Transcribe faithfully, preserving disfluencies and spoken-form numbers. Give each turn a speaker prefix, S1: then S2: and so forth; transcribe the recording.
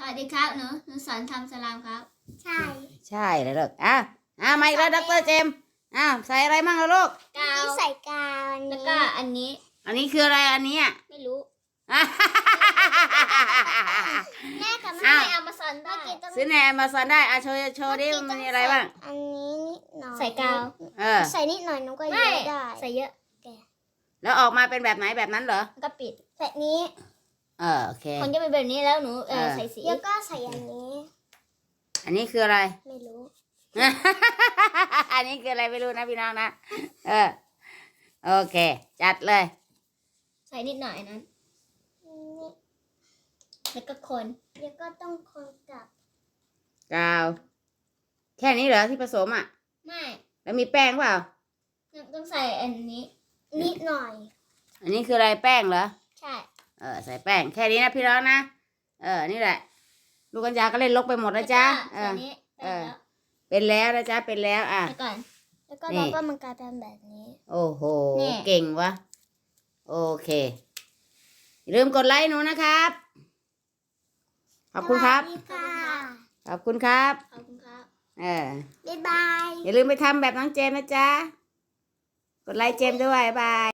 S1: วัสดีครับหนูหนูสอนทำสลามครับใช่
S2: ใช่เลยลูกอ่ะอ่ะมาอีกแล้วดรเจมส์อ่ะใส่อะไรมั่งล่ะลูก
S1: กาว
S3: ใส่กาว
S1: แล้วก็อันนี้
S2: อันนี้คืออะไรอันนี้อ่ะ
S1: ไม่รู้
S3: แม่กับ
S1: ซื้
S3: แม่
S1: อในอเมซอนได้
S2: ซื้อในแอมะซอนได้อ่ะโชว์โชว์ดิมันมีอะไรบ้าง
S3: อันนี้นิดหน่อย
S1: ใส่กาว
S2: เออ
S3: ใส่นิดหน่อยน้องก็เย
S1: ไม่
S3: อะได้
S1: ใส่เยอะ
S2: แล้วออกมาเป็นแบบไหนแบบนั้นเหรอ
S1: แล้วก็ปิด
S3: ใส่นี้
S2: เออโอเค
S1: คนจะเป็นแบบนี้แล้วหนูเออ
S2: เออ
S1: ใส่สี
S3: แล้วก็ใส่อันนี้
S2: อันนี้คืออะไร
S3: ไม่รู้
S2: อันนี้คืออะไรไม่รู้นะพี่น้องนะเออโอเค จัดเลย
S1: ใส่นิดหน่อยนั้น
S3: นี่
S1: แล้วก็คน
S3: แล้วก็ต้องคนกับ
S2: กาว แค่นี้เหรอที่ผสมอ่ะ
S1: ไม่
S2: แล้วมีแป้งเปล่า
S1: ต้องใส่อันนี้
S3: นิดหน่อย
S2: อันนี้คืออะไรแป้งเหรอ
S1: ใช่
S2: เออใส่แป้งแค่นี้นะพี่น้องนะเออนี่แหละ ลูกกัญญาก็เล่นลกไปหมดแล้วจ้าเอ
S1: ใส่
S2: อ
S1: นี้
S2: เออ
S1: แล้ว
S2: เป็นแล้วนะจ๊ะเป็นแล้วอ่ะ
S1: แล้วก่อน
S3: แล้วก็
S2: นี่
S3: เราก็มันกลายเป็นแบบนี้
S2: โอ้โห
S1: นี่
S2: เก่งวะโอเคอย่าลืมกดไลค์หนูนะครับ ขอบคุณครับ
S3: สวัสดีค่ะ
S2: ขอบคุณครับ
S1: ขอบคุณครับ
S2: เออ
S3: บ๊ายบาย
S2: อย่าลืมไปทำแบบน้องเจมส์นะจ๊ะกดไลค์เจมส์ด้วยบ๊ายบาย